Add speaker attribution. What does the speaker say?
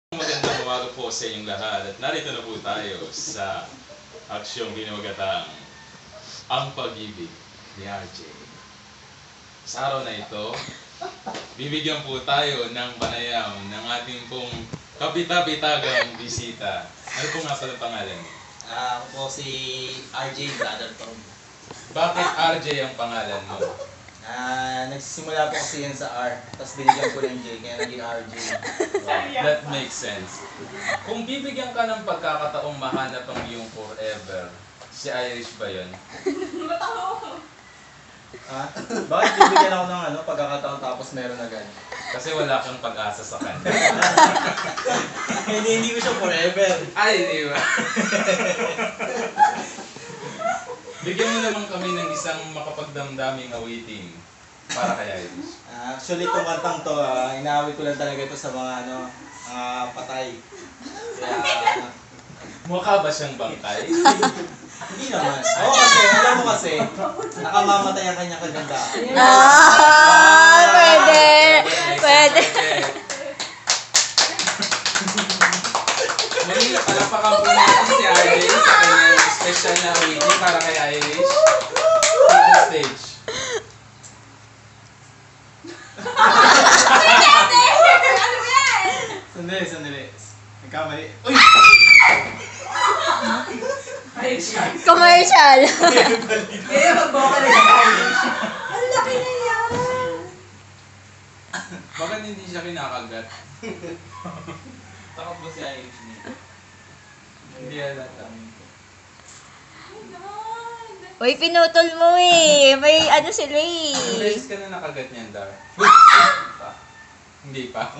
Speaker 1: Magandang umaga po sa inyong lahat at narito na po tayo sa aksyong binugatang Ang Pag-ibig ni RJ. Sa araw na ito, bibigyan po tayo ng panayam ng ating pong kabita-bitagang bisita. Ano po nga pala pangalan niyo?
Speaker 2: Ako po si RJ Brother Tom.
Speaker 1: Bakit RJ ang pangalan mo?
Speaker 2: Nagsisimula po kasi yan sa R, tapos binigyan ko ng J, kaya naging RJ.
Speaker 1: That makes sense. Kung bibigyan ka ng pagkakataong mahanap ang iyong forever, si Irish ba yun?
Speaker 2: Bakit bibigyan ako ng pagkakataon tapos meron agad?
Speaker 1: Kasi wala kang pag-asa sa kanya.
Speaker 2: Hindi ko siya forever.
Speaker 1: Ay, di ba? Bigyan mo naman kami ng isang makapagdamdaming awiting para kay Irish.
Speaker 2: Actually, itong kantang to, inaawit ko lang talaga ito sa mga patay. Kaya,
Speaker 1: Mukha ba siyang bangkay?
Speaker 2: hindi naman. Oo kasi, alam mo kasi, nakamamatay ang kanyang kaganda.
Speaker 3: Pwede! Pwede!
Speaker 1: Muli na palapakan po natin si Irish sa kanyang special na awiting para kay Irish. Take the stage.
Speaker 2: Sandali. Nagkamali. Uy!
Speaker 3: Commercial!
Speaker 2: Kaya mag-vocal na
Speaker 3: Ang laki na yan!
Speaker 1: Bakit hindi siya kinakagat?
Speaker 2: Takot mo si Irish niya.
Speaker 1: Hindi halata.
Speaker 3: Uy, pinutol mo eh. May ano sila eh.
Speaker 1: Ilang beses ka na nakagat niyan, Dar? Hindi pa.